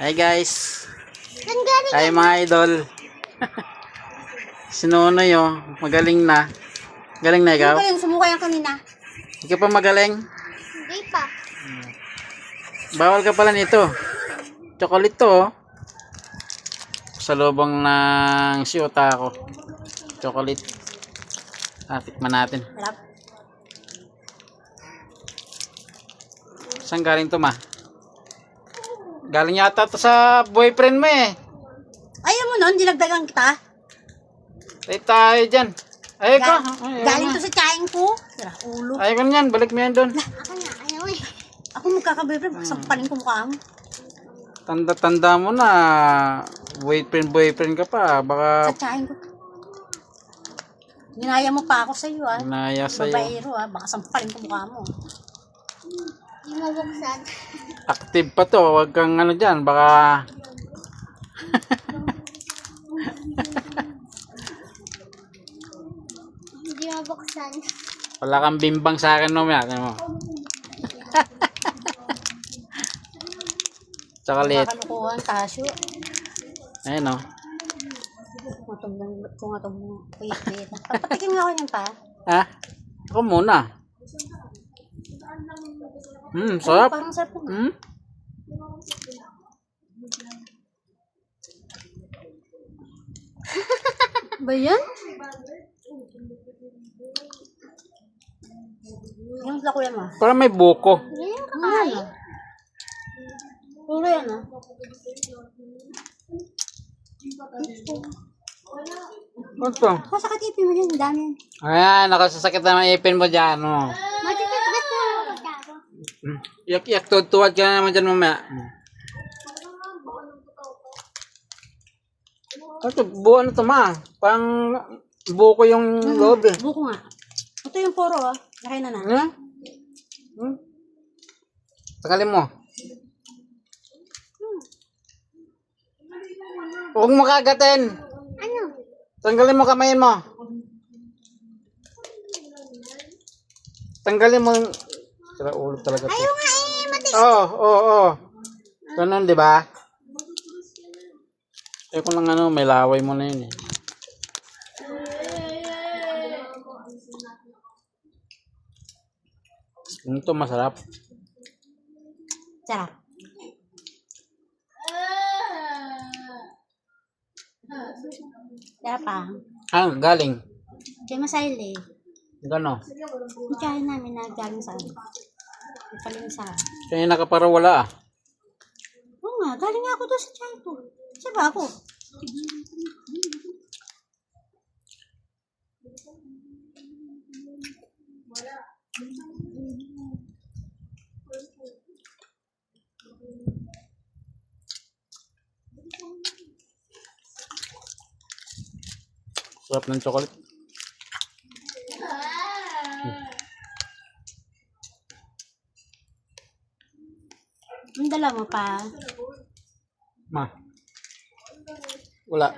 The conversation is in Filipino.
Hi guys. Saan galing? Hi mga idol. Si Nonoy oh, magaling na. Galing na ikaw? Galing, sumuka yan kanina. Ikaw pa magaling? Hindi pa. Bawal ka pala nito. Chocolate to oh. Sa lubong ng siyota ko. Chocolate. Tikman natin. Harap. Saan galing to ma? Galing yata to sa boyfriend mo eh. Ayaw mo nun, dinagdagan kita. Tay tayo dyan. Ay ko. Galing to sa tsahin ko. Sira, ulo. Ay ko yan. Balik mo yan doon. Ako na, ayaw eh. Ako magkakaboyfriend, sampalin ko mukha mo. Tanda-tanda mo na. Boyfriend ka pa. Baka Sa tsahin ko. Ginaya mo pa ako sa'yo ah. naya sa'yo. Babaero ah, baka sampalin ko mukha mo. Hindi mo buksan. Active pa to. Huwag kang ano dyan. Baka Hindi mo buksan. wala kang bimbang sa akin no. Ano mo? Chocolate. Kakalukuhan, tasyo. Ayun o. Kung atong wait. Papatikin nga ako niyan pa. Ha? Ako muna. Sarap. Parang sarap naman. Ba yan? Yung lako yan ah. Parang may buko. Yan kakain. Puro yan ah. Ano to? Masakit ipin mo yan, dami yan. Ayan, nakasasakit na ang ipin mo dyan. Oh. Matitigas mo. Yak-yak, tuwad ka na naman dyan mamaya. Ito, buo ano to ma? Pang buko yung loob eh. Buko nga. Ito yung puro ah. Laki na na. Tagalin mo. Huwag mo kagatin. Ano? Tanggalin mo kamay mo. Tanggalin mo. Sira ulo talaga to. Ayaw nga eh. Matigas. Oo. Ganun, di ba? Ayoko lang ano, may laway mo na yun eh. Ito masarap. Sarap. Sarap ah. Galing. Kaya masail eh. Gano. Yung tsahin namin na galing sa ano. Ipalinsa. Kaya nakapara wala ah. Oo nga, galing nga ako doon sa tsahin ko. Siya ba ako? Sarap ng chocolate. Ang dala mo pa. Ma. Wala.